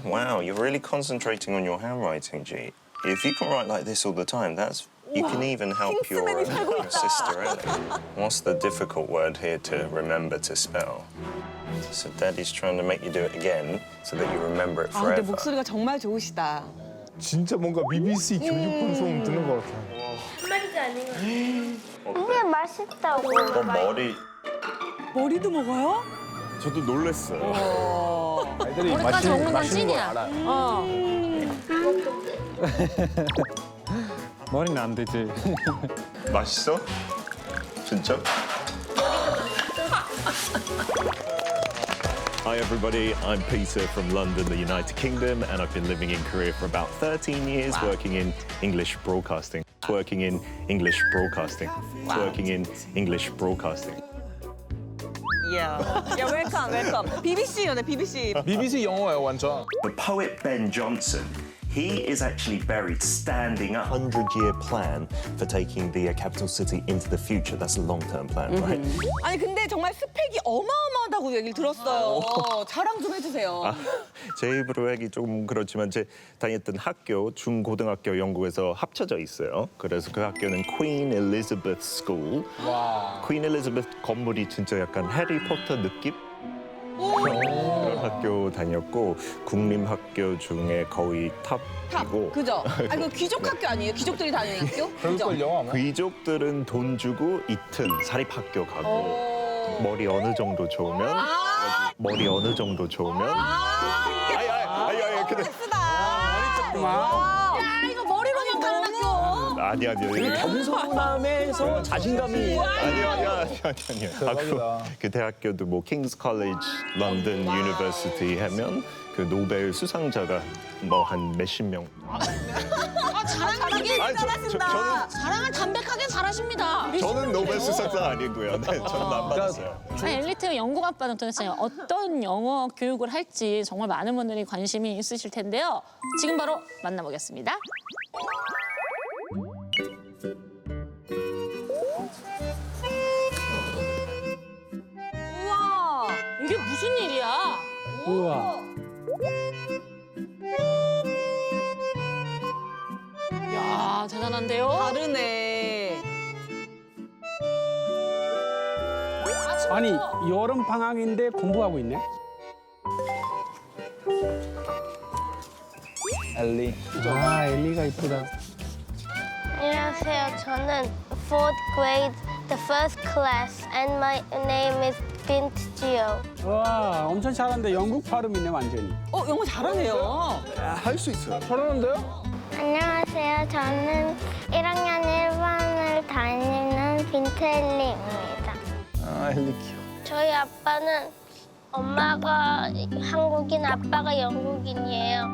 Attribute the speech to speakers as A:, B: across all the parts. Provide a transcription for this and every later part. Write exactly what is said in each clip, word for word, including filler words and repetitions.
A: wow, you're really concentrating on your handwriting, G. If you can write like this all the time, that's you can even help your, uh, your sister Ellie. What's the difficult word here to remember to spell? So Daddy's trying to make you do it again so that you remember it
B: 아, 근데
A: forever.
B: 목소리가 정말 좋으시다.
C: 진짜 뭔가 비비씨 교육 방송 듣는 것 같아.
D: 한마디도 아닌 거. 이게 맛있다고.
A: 어, 머리.
B: 머리도 먹어요?
A: 저도 놀랐어요.
C: 애들이
E: 머리까지 먹는 건
C: 맛있는 걸
E: 찐이야.
C: 알아.
E: 어.
F: 머리는 안 되지.
A: 맛있어? 진짜?
G: Hi everybody, I'm Peter from London, the United Kingdom, and I've been living in Korea for about thirteen years, working in English broadcasting. Working in English broadcasting. Working in English broadcasting.
B: 야, 야 웰컴 웰컴. 비비씨요네 비비씨.
C: 비비씨 영어예요 완전.
A: The poet Ben Jonson, he is actually buried standing up.
G: Hundred-year plan for taking the uh, capital city into the future. That's a long-term plan, right?
B: 아니 근데 정말 스펙이 어마어마하다고 얘기를 들었어요. 자랑 좀 해주세요.
G: 아, 제 입으로 하기 좀 그렇지만 제 다녔던 학교, 중고등학교 영국에서 합쳐져 있어요. 그래서 그 학교는 Queen Elizabeth School.
C: 와.
G: Queen Elizabeth 건물이 진짜 약간 해리포터 느낌? 그런 학교 다녔고 국립학교 중에 거의
B: 탑,
G: 탑이고
B: 그죠? 아니 그 귀족 학교 아니에요? 귀족들이 다니는 학교? 그죠?
C: 그럴걸요 아마.
G: 귀족들은 돈 주고 이틀 사립학교 가고
B: 오.
G: 머리 어느 정도 좋으면
B: 아,
G: 머리 어느 정도 좋으면
B: 아, 이게
G: 아이 아이 아이 아이 근데
B: 쓰다. 와. 야 이거 머리로만 가는 학교.
G: 아니 아니 아니
F: 겸손함에서 자신감이.
G: 아니 아니 아니 아니
C: 대박이다.
G: 그 대학교도 뭐 킹스 컬리지, 런던 유니버시티 하면 그 노벨 수상자가 뭐 한 몇십 명.
E: 아, 자랑 되게
G: 아니, 저- 저-
B: 잘하신다.
E: 자랑을 담백하게 잘하십니다.
G: 저는 노벨 수상자 아니고요. 네, 저는 안 받았어요.
E: 아니, 엘리트 영국 아빠는 도대체 어떤 영어 교육을 할지 정말 많은 분들이 관심이 있으실 텐데요. 지금 바로 만나보겠습니다.
B: 우와.
E: 이게 무슨 일이야?
F: 우와.
E: 야 대단한데요?
B: 다르네.
F: 아니 여름 방학인데 공부하고 있네.
C: 엘리.
F: 아 엘리가 이쁘다.
D: 안녕하세요. 저는 fourth grade, the first class, and my name is Bint Gio.
F: 와 엄청 잘하는데 영국 발음이네 완전히.
B: 어 영어 잘하네요.
G: 할 수 있어요.
C: 잘하는데요?
D: 안녕하세요. 저는 일 학년 일 반을 다니는 빈트엘리입니다.
C: 아 엘리 귀여워.
D: 저희 아빠는 엄마가 한국인, 아빠가 영국인이에요.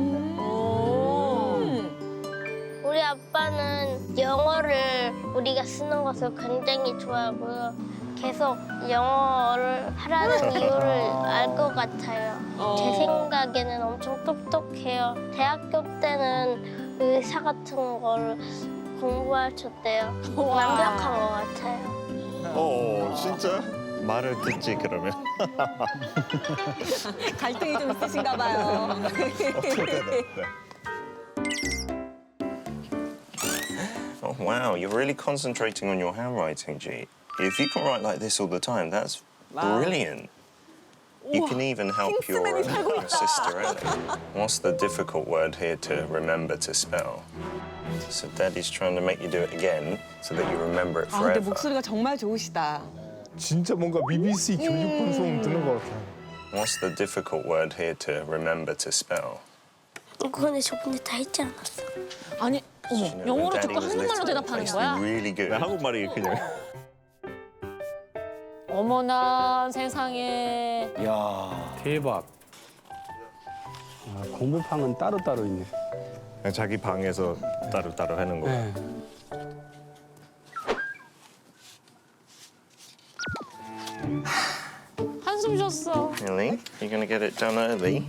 D: 우리 아빠는 영어를 우리가 쓰는 것을 굉장히 좋아하고요. 계속 영어를 하라는 이유를 알 것 같아요. 제 생각에는 엄청 똑똑해요. 대학교 때는 의사 같은 걸 공부하셨대요. 완벽한 것 같아요.
G: 어 진짜? 말을 듣지 그러면.
B: 갈등이 좀 있으신가 봐요.
A: Oh, wow, you're really concentrating on your handwriting, G. If you can write like this all the time, that's
B: Wow.
A: brilliant. You can even help your, uh,
B: 킹스맨이 살고
A: your
B: 있다.
A: sister Ellie. What's the difficult word here to remember to spell? So Daddy's trying to make you do it again so that you remember it
B: 아 근데
A: forever.
B: 목소리가 정말 좋으시다.
C: 진짜 뭔가 비비씨 교육 방송 듣는 것 같아.
A: What's the difficult word here to remember to spell?
D: 이거 근데 저번에 다 했지 않았어?
E: 아니 어머
A: You know, when
E: 영어로
A: Daddy
E: 듣고
A: was
E: 한국말로
A: little,
E: 대답하는
A: I used to
E: 거야?
A: be really good.
G: 네, 한국말이 그냥.
E: 어머나 세상에.
C: 이야.
F: 대박. 아, 공부방은 따로 따로 있네.
G: 자기 방에서 따로 따로 하는 거.
F: 네.
E: 한숨 쉬었어.
A: Really? You're gonna get it done early?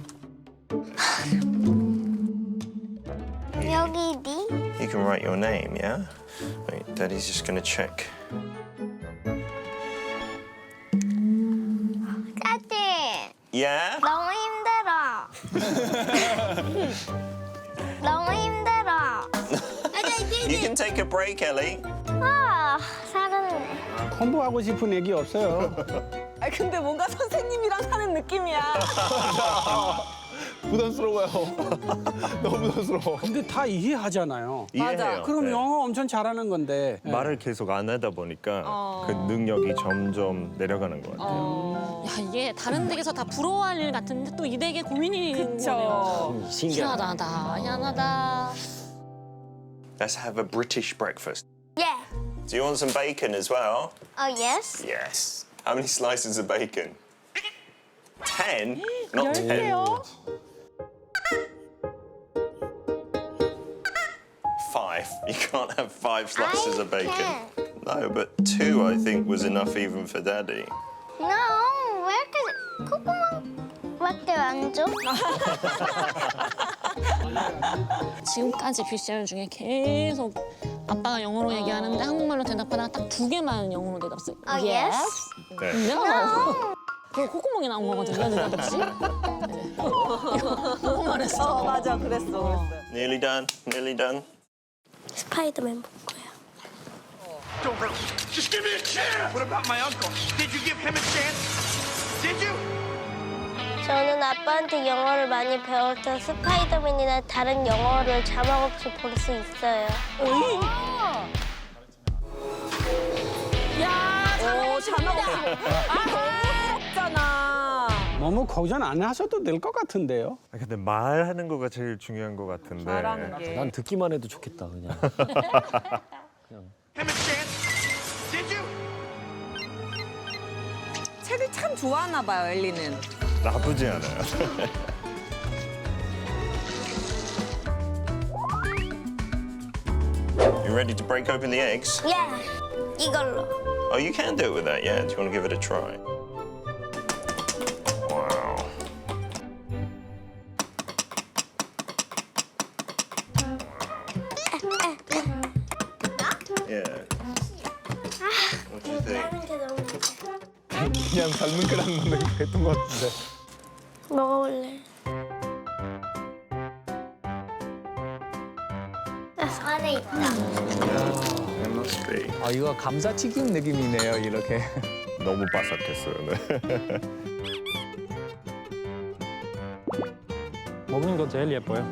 D: 여기 니?
A: You can write your name, yeah? Wait, Daddy's just gonna check.
D: 짜지?
A: Yeah?
D: 너무 힘들어. 너무 힘들어.
A: You can take a break, Ellie.
D: 아, 살았네.
F: 공부하고 싶은 얘기 없어요.
B: 아 근데 뭔가 선생님이랑 사는 느낌이야.
C: 부담스러워요. 너무 부담스러워.
F: 근데 다 이해하잖아요.
A: 이해해요.
F: 그럼
A: 네.
F: 영어 엄청 잘하는 건데.
G: 말을 계속 안 하다 보니까 그 능력이 점점 내려가는 것 같아요.
E: 야 이게 다른 댁에서 다 부러워할 일 같은데 또 이 댁의 고민이 거네요.
B: 그쵸.
E: 희한하다, 희한하다.
A: Let's have a British breakfast.
D: Yeah.
A: Do you want some bacon as well?
D: Oh, yes.
A: Yes. How many slices of bacon? Ten? Not ten.
B: 열게요.
A: Five. You can't have five slices
D: I
A: of bacon.
D: can.
A: No, but two I think was enough even for Daddy.
D: No, 왜 이렇게 콧구멍밖에 안 줘?
E: 지금까지 피시알 중에 계속 아빠가 영어로 얘기하는데 한국말로 대답하다가 딱 두 개만 영어로 대답했어요.
D: Oh, yes.
A: 네.
E: No. 그 콧구멍이 나온 거거든요, 느닷없이. 네. 이거 너무 말했어.
B: 어 맞아 그랬어 그랬어.
A: Nearly done. Nearly done.
D: 스파이더맨 볼 거야.
H: Don't bro. Just give me a chance. What about my uncle? Did you give him a chance? Did you?
D: 저는 아빠한테 영어를 많이 배울 때 스파이더맨이나 다른 영어를 자막 없이 볼 수 있어요.
B: 야 자막 자막 없어. 아 너무 부럽잖아.
F: 너무 걱정 안 하셔도 될 것 같은데요.
G: 아, 근데 말하는 거가 제일 중요한 것 같은데.
B: 말하는 게.
I: 난 듣기만 해도 좋겠다 그냥.
H: Him a chance? Did you?
B: 책을 참 좋아하나 봐요 엘리는.
G: 나쁘지 않아요.
A: You ready to break open the eggs?
D: Yeah, 이걸로.
A: Oh, you can do it with that, yeah. Do you want to give it a try? Wow. Yeah. What do you think?
D: 하는 게 너무 좋아.
C: 그냥 삶은 계란만 했던 것 같은데.
D: 먹어볼래. 아, 안에 있다.
A: It must be.
I: 아 이거 감자튀김 느낌이네요 이렇게.
G: 너무 바삭했어요. 네.
I: 먹는 거 제일 예뻐요.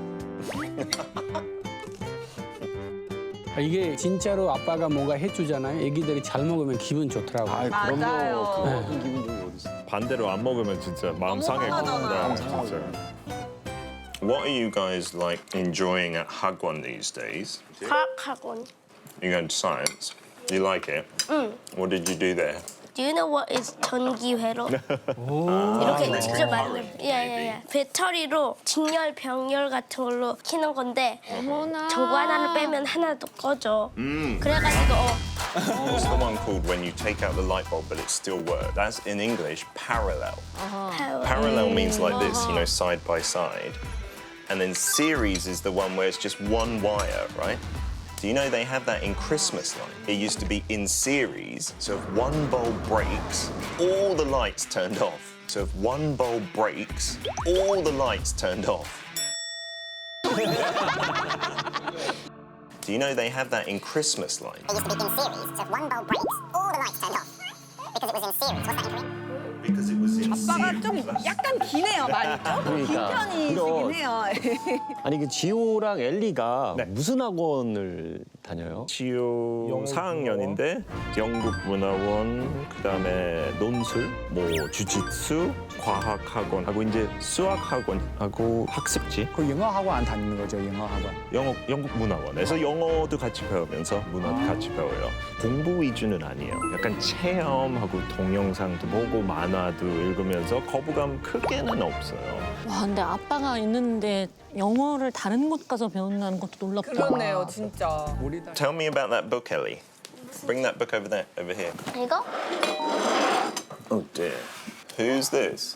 F: 아, 이게 진짜로 아빠가 뭔가 해주잖아요. 애기들이 잘 먹으면 기분 좋더라고요.
B: 맞아요.
G: 반대로 안 먹으면 진짜 마음 상해.
B: 상하잖아.
G: 네, 진짜.
A: What are you guys like enjoying at Hagwon these days?
D: 과학학원.
A: You going to science? You like it? What did you do there?
D: Do you know what is 전기회로? 이렇게 직접 만든. 예예예. 배터리로 직열, 병열 같은 걸로 키는 건데 전구 하나를 빼면 하나도 꺼져. 그래가지고 어,
A: What's the one called when you take out the light bulb but it still works? That's in English parallel.
D: 파워.
A: Parallel means like this, you know, side by side. And then series is the one where it's just one wire, right? Do you know they have that in Christmas light? It used to be in series, so if one bulb breaks, all the lights turned off. So if one bulb breaks, all the lights turned off. Do you know they have that in Christmas light?
J: It used to be in series, so if one bulb breaks, all the lights turned off. Because it was in series. What's that in Korean?
A: Because it was in
B: 아빠가
A: series.
B: 좀 약간 기네요 많이 조금 긴
I: 그러니까.
B: 편이시긴
I: 그럼.
B: 해요.
I: 아니 그 지호랑 엘리가
G: 네.
I: 무슨 학원을 다녀요?
G: 지효 사 학년인데 영국 문화원, 그다음에 논술, 뭐 주짓수, 과학 학원하고 이제 수학 학원하고 학습지,
F: 그 영어 학원 안 다니는 거죠, 영어 학원.
G: 영어 영국 문화원에서 영어도 같이 배우면서 문화도 같이 배워요. 공부 위주는 아니에요. 약간 체험하고 동영상도 보고 만화도 읽으면서 거부감 크게는 없어요.
E: 와 근데 아빠가 있는데 영어를 다른 곳 가서 배운다는 것도 놀랍다.
B: 그렇네요 진짜.
A: Tell me about that book, Ellie. Bring that book over there, over here.
D: 이거?
A: Oh dear. Who's this?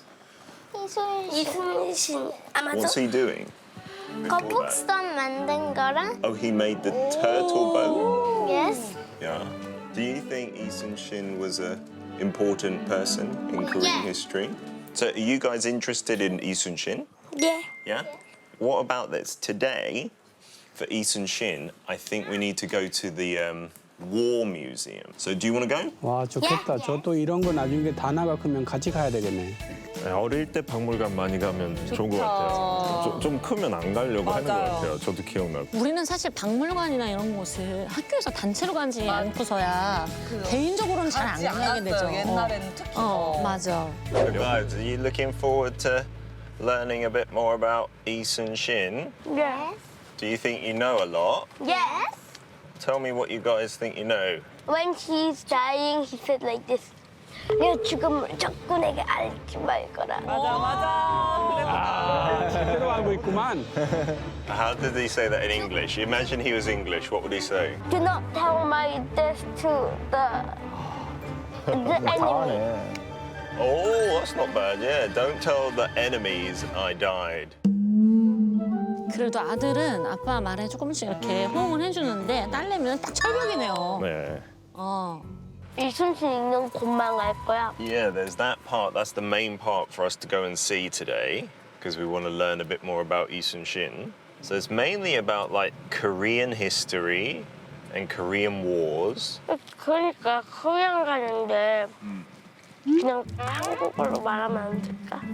D: 이순신 아마도
A: What's he doing?
D: 거북선 만든 거랑
A: Oh, he made the turtle boat.
D: yes.
A: Yeah. Do you think Lee Sun-shin was a important person in Korean
D: Yeah.
A: history? So, are you guys interested in Lee Sun-shin?
D: 예.
A: Yeah. what about this? Today, for Eason Shin, I think we need to go to the um, War Museum. So do you want to go?
F: 와 좋겠다. 저도 이런 거 나중에 다나가 크면 같이 가야 되겠네.
G: 네, 어릴 때 박물관 많이 가면 좋은 것
B: 좋다.
G: 같아요. 좀, 좀 크면 안 가려고 하는 것
B: 맞아요.
G: 같아요. 저도 기억나고.
E: 우리는 사실 박물관이나 이런 곳을 학교에서 단체로 가지 않고서야 개인적으로는 잘 안
B: 가지
E: 가게 되죠.
B: 않았어요. 옛날에는 특히.
E: 어, 어, 맞아.
A: So guys, are you looking forward to learning a bit more about Eason Shin?
D: Yes.
A: Do you think you know a lot?
D: Yes.
A: Tell me what you guys think you know.
D: When he's dying, he said like this. 내 죽음을 적군에게 알지 말거라.
B: 맞아, 맞아.
F: 제대로 알고 있구만.
A: How did he say that in English? Imagine he was English. What would he say?
D: Do not tell my death to the the enemy.
A: Oh, that's not bad. Yeah, don't tell the enemies I died.
E: 그래도 아들은 아빠 말에 조금씩 이렇게 호응을 해주는데 딸내미는 딱 철벽이네요.
G: 네.
E: 어.
D: 이순신 읽는 곳만 갈 거야.
A: Yeah, there's that part. That's the main part for us to go and see today because we want to learn a bit more about Eason Shin. So it's mainly about like Korean history and Korean wars.
D: 그러니까 코리안 가는데 그냥 한국어로 말하면 안 될까?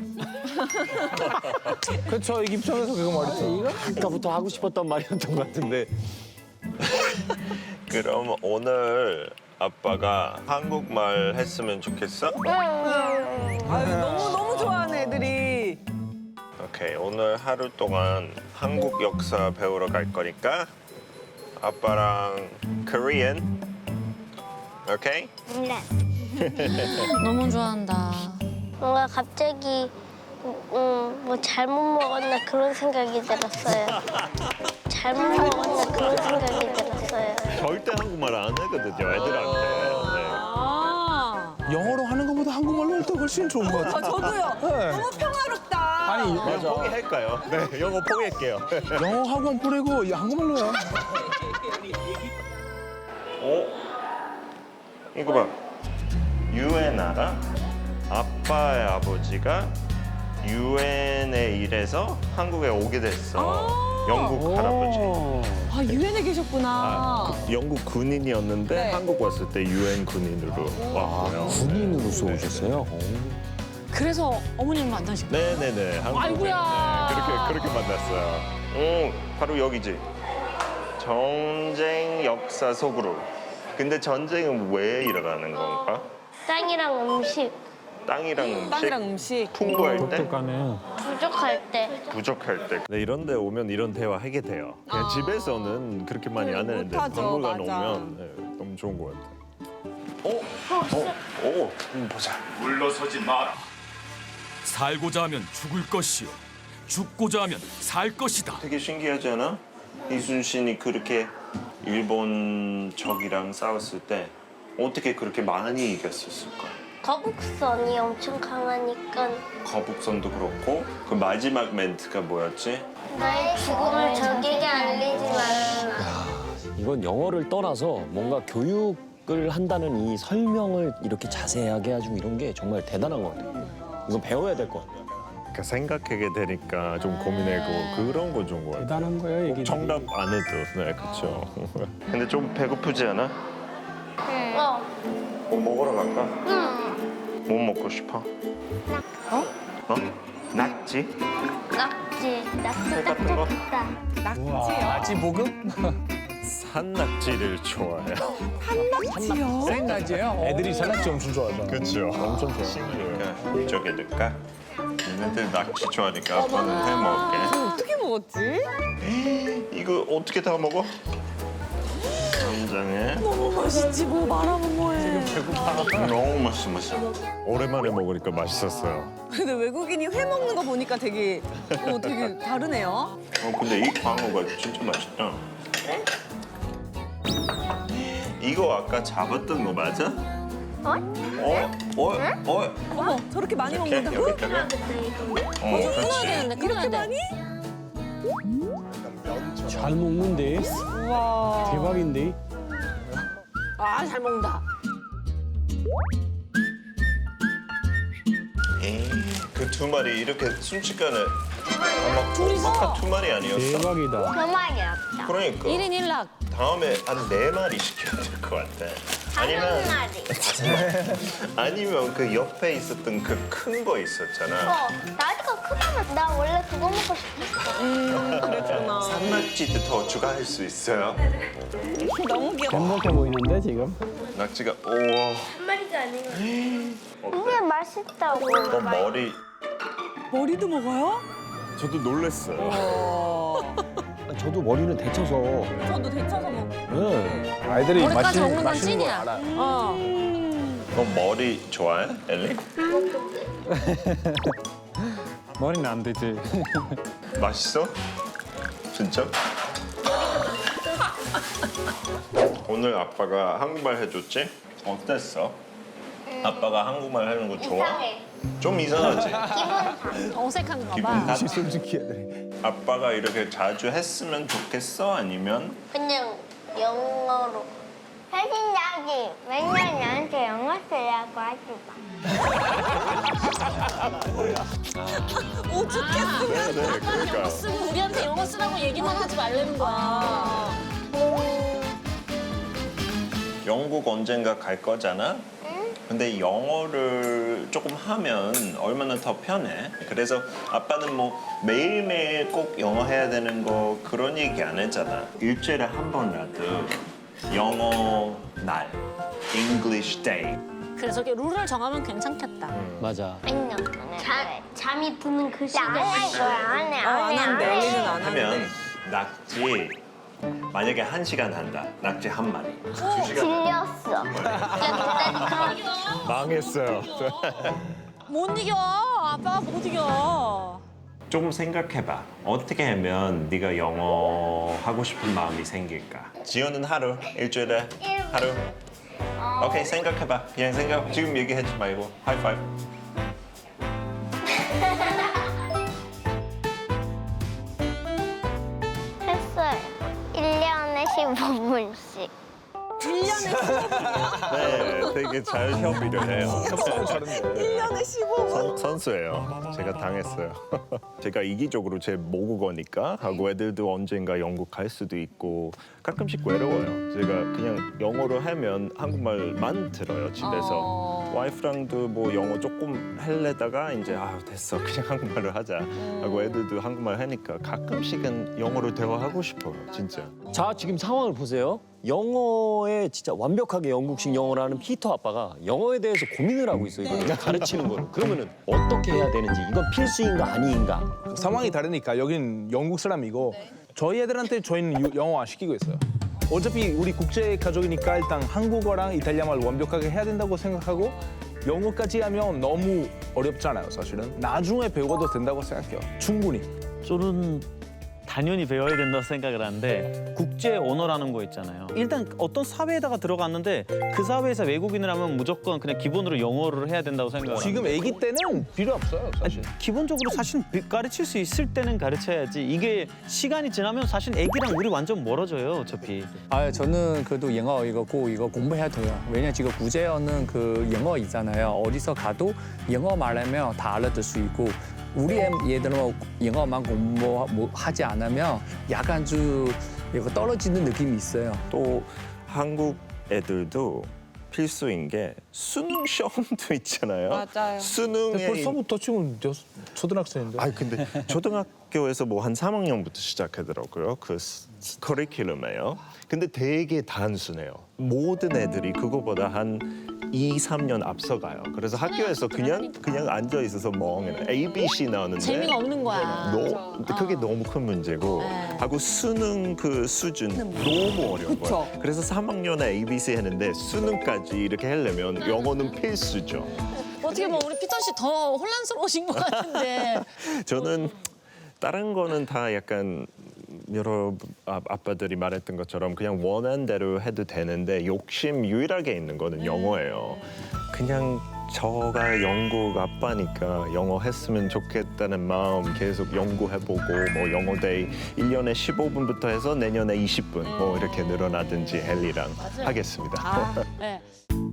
C: 그렇죠. 이 입장에서 그거 말이죠.
I: 아까부터 하고 싶었던 말이었던 것 같은데.
A: 그럼 오늘 아빠가 한국말 했으면 좋겠어?
B: 아유, 너무, 너무 좋아하는 애들이.
A: 오케이, 오늘 하루 동안 한국 역사 배우러 갈 거니까 아빠랑 Korean. 오케이?
D: 네.
E: 너무 좋아한다.
D: 뭔가 갑자기 음, 뭐 잘못 먹었나 그런 생각이 들었어요. 잘못 먹었나 그런 생각이 들었어요.
G: 절대 한국말 안 하거든요, 애들한테. 네.
E: 아.
C: 영어로 하는 것보다 한국말로 할 때 훨씬 좋은 것
B: 아,
C: 같아요.
B: 저도요.
C: 네.
B: 너무 평화롭다.
C: 아니
G: 영어 포기할까요? 네, 영어 포기할게요.
C: 영어 학원 보내고 이 한국말로 해.
A: 어? 이거 봐. 유엔 알아? 아빠의 아버지가 유엔에 일해서 한국에 오게 됐어. 영국 할아버지.
B: 아, 유엔에 계셨구나.
G: 영국 군인이었는데
B: 네.
G: 한국 왔을 때 유엔 군인으로 왔고요.
I: 군인으로서 오셨어요?
E: 그래서 어머님을 만나신 거예요?
G: 네네네. 한국에.
E: 아이고야.
G: 네, 그렇게 그렇게 만났어요.
A: 응, 바로 여기지. 전쟁 역사 속으로. 근데 전쟁은 왜 일어나는 건가?
D: 땅이랑 음식
A: 땅이랑 음식?
B: 빵이랑 음식.
A: 풍부할 때?
D: 부족할 때
A: 부족할 때.
G: 네, 이런 데 오면 이런 대화 하게 돼요. 그냥
B: 아.
G: 집에서는 그렇게 많이 안 하는데
B: 못하죠,
G: 박물관
B: 맞아.
G: 오면 네, 너무 좋은 것 같아요.
A: 어? 어? 오, 한번 보자.
H: 물러서지 마라. 살고자 하면 죽을 것이요. 죽고자 하면 살 것이다.
A: 되게 신기하지 않아? 이순신이 그렇게 일본 적이랑 싸웠을 때 어떻게 그렇게 많이 이겼었을까?
D: 거북선이 엄청 강하니까
A: 거북선도 그렇고 그 마지막 멘트가 뭐였지?
D: 나의 죽음을 적에게 알리지 말아라.
I: 이건 영어를 떠나서 뭔가 교육을 한다는 이 설명을 이렇게 자세하게 해주고 이런 게 정말 대단한 것 같아요. 이건 배워야 될 것 같아요.
G: 그러니까 생각하게 되니까 좀 고민하고 그런 거 좋은 것 같아요.
F: 대단한 거예요,
G: 꼭
F: 얘기들이.
G: 정답 안 해도 네 그렇죠.
A: 근데 좀 배고프지 않아?
D: 어.
A: 뭐 먹으러 갈까?
D: 응.
A: 뭐 먹고 싶어? 어? 어? 낙지?
D: 낙지. 낙지 딱
A: 같은 거?
D: 좋다.
B: 낙지요?
C: 아지 볶음?
G: 산낙지를 좋아해요.
B: 낙지요?
C: 생낙지예요? 애들이 산낙지 엄청 좋아하잖아.
G: 그렇죠.
C: 엄청 좋아.
A: 그러니까 이쪽에 넣을까? 얘네들 낙지 좋아하니까 아빠는 해 먹을게.
B: 어떻게 먹었지?
A: 이거 어떻게 다 먹어? 간장에
B: 너무 맛있지, 뭐 말하면 뭐해.
A: 너무 맛있어, 맛있어.
G: 오랜만에 먹으니까 맛있었어요.
B: 근데 외국인이 회 먹는 거 보니까 되게, 어, 되게 다르네요.
A: 어, 근데 이 광어가 진짜 맛있다. 이거 아까 잡았던 거 맞아?
D: 어?
A: 어? 어? 어?
B: 어머, 저렇게 많이
A: 이렇게
B: 먹는다고?
A: 여기다가? 어,
E: 끊어야
A: 그렇지.
E: 되는데, 끊어야
B: 이렇게
E: 돼.
B: 많이?
F: 잘 먹는데
B: 우와.
F: 대박인데.
E: 아, 잘 먹는다.
A: 에이, 그 두 마리 이렇게 순식간에 아마
E: 둘이서?
A: 아까 두 마리 아니었어?
F: 대박이다.
D: 그 말이 없다.
A: 그러니까
E: 일 인 일 락.
A: 다음에 한 네 마리 시켜야 될 것 같아. 아니면
D: 다섯 마리.
A: 아니면 그 옆에 있었던 그 큰 거 있었잖아.
D: 어, 나이가 크다면 나 원래 그거 먹고 싶었어.
B: 음, 그랬구나.
A: 산낙지도 더 추가할 수 있어요.
B: 너무 귀여워.
F: 행복해 보이는데 지금?
A: 낙지가 우와.
D: 한 마리가 아니고.
A: 어때?
D: 이게 맛있다고.
A: 어, 머리
B: 머리도 먹어요?
A: 저도 놀랐어요.
B: 어.
I: 저도 머리는 데쳐서.
B: 저도 데쳐서 먹고.
I: 네.
C: 아이들이
E: 머리까지
C: 맛있는,
E: 먹는 건
C: 맛있는 걸
E: 찐이야.
C: 알아.
E: 어.
A: 너 머리 좋아해, 엘리?
K: 머리는 안 되지.
A: 맛있어? 진짜? 오늘 아빠가 한국말 해줬지? 어땠어? 아빠가 한국말 하는 거 좋아?
D: 이상해.
A: 좀 이상하지?
E: 어색한가
A: 기분
E: 봐.
A: 탓?
C: 솔직히 애들이.
A: 아빠가 이렇게 자주 했으면 좋겠어? 아니면
D: 그냥 영어로. 혜진자지 맨날 나한테 영어 쓰라고 하지 마.
E: 오죽했으면
A: 네,
E: 아빠는
A: 그러니까.
E: 영어 쓰고 우리한테 영어 쓰라고 얘기만 하지 말라는 거야.
A: 영국 언젠가 갈 거잖아? 근데 영어를 조금 하면 얼마나 더 편해? 그래서 아빠는 뭐 매일매일 꼭 영어 해야 되는 거 그런 얘기 안 했잖아. 일주일에 한 번이라도 영어 날, English Day.
E: 그래서 이렇게 룰을 정하면 괜찮겠다.
I: 맞아.
D: 안녕. 잠 잠이 드는 그 시간에 안 해.
B: 어, 안 한대. 엘리는 안
A: 하면
B: 한대.
A: 낙지 만약에 한 시간 한다. 낙지 한 마리. 두 시간.
D: 질렸어.
A: 망했어요.
E: 못 이겨. 아빠가 못 이겨.
A: 조금 생각해봐. 어떻게 하면 네가 영어 하고 싶은 마음이 생길까? 지효는 하루, 일주일에 하루. 오케이, 생각해봐. 그냥 생각. 지금 얘기하지 말고 하이파이브.
D: 했어요. 일 년에 십오 분씩.
B: 일 년에
A: 네, 되게 잘 협의를 해요.
B: 일 년에 십오 분.
A: 선, 선수예요. 제가 당했어요. 제가 이기적으로 제 모국어니까 하고 애들도 언젠가 영국 갈 수도 있고 가끔씩 외로워요. 제가 그냥 영어로 하면 한국말만 들어요 집에서.
B: 어.
A: 와이프랑도 뭐 영어 조금 할래다가 이제 아 됐어 그냥 한국말로 하자 하고 애들도 한국말 하니까 가끔씩은 영어로 대화하고 싶어요 진짜.
I: 자, 지금 상황을 보세요. 영어에 진짜 완벽하게 영국식 영어를 하는 피터 아빠가 영어에 대해서 고민을 하고 있어요. 이거 가르치는 거를. 그러면은 어떻게 해야 되는지, 이건 필수인가 아니인가?
C: 상황이 다르니까 여긴 영국 사람이고 저희 애들한테 저희는 유- 영어 안 시키고 있어요. 어차피 우리 국제 가족이니까 일단 한국어랑 이탈리아말 완벽하게 해야 된다고 생각하고 영어까지 하면 너무 어렵잖아요, 사실은. 나중에 배워도 된다고 생각해요. 충분히.
K: 저는 당연히 배워야 된다고 생각을 하는데 국제 언어라는 거 있잖아요. 일단 어떤 사회에다가 들어갔는데 그 사회에서 외국인을 하면 무조건 그냥 기본으로 영어를 해야 된다고 생각을
C: 지금
K: 하는데
C: 아기 때는 필요 없어요, 사실.
K: 기본적으로 사실 가르칠 수 있을 때는 가르쳐야지. 이게 시간이 지나면 사실 애기랑 우리 완전 멀어져요, 어차피.
L: 아, 저는 그래도 영어 이거 꼭 이거 공부해야 돼요. 왜냐 지금 구제어는 그 영어 있잖아요. 어디서 가도 영어 말하면 다 알아들 수 있고 우리 애- 얘들은 영어만 공부하지 않으면 약간 좀 이거 떨어지는 느낌이 있어요.
A: 또 한국 애들도 필수인 게 수능 시험도 있잖아요.
B: 맞아요.
A: 수능에
C: 벌써부터 지금 여- 초등학생인데.
A: 아 근데 초등학교에서 뭐 한 삼 학년부터 시작하더라고요. 그 스- 커리큘럼이에요. 근데 되게 단순해요. 모든 애들이 그거보다 한 이, 삼 년 앞서가요. 그래서 학교에서 그냥 그냥 앉아 있어서 멍해. A, B, C 나오는데
E: 재미가 없는 거야.
A: 너, 그게 너무 큰 문제고 하고 수능 그 수준 너무 어려운
B: 그쵸.
A: 거예요. 그래서 삼 학년에 A, B, C 했는데 수능까지 이렇게 하려면 영어는 필수죠.
E: 어떻게 보면 우리 피터 씨 더 혼란스러우신 것 같은데.
A: 저는 다른 거는 다 약간 여러 아- 아빠들이 말했던 것처럼 그냥 원하는 대로 해도 되는데 욕심 유일하게 있는 거는 영어예요. 그냥 저가 영국 아빠니까 영어 했으면 좋겠다는 마음 계속 연구해보고 뭐 영어 데이 일 년에 십오 분부터 해서 내년에 이십 분 뭐 이렇게 늘어나든지 헨리랑 하겠습니다.
E: 아, 네.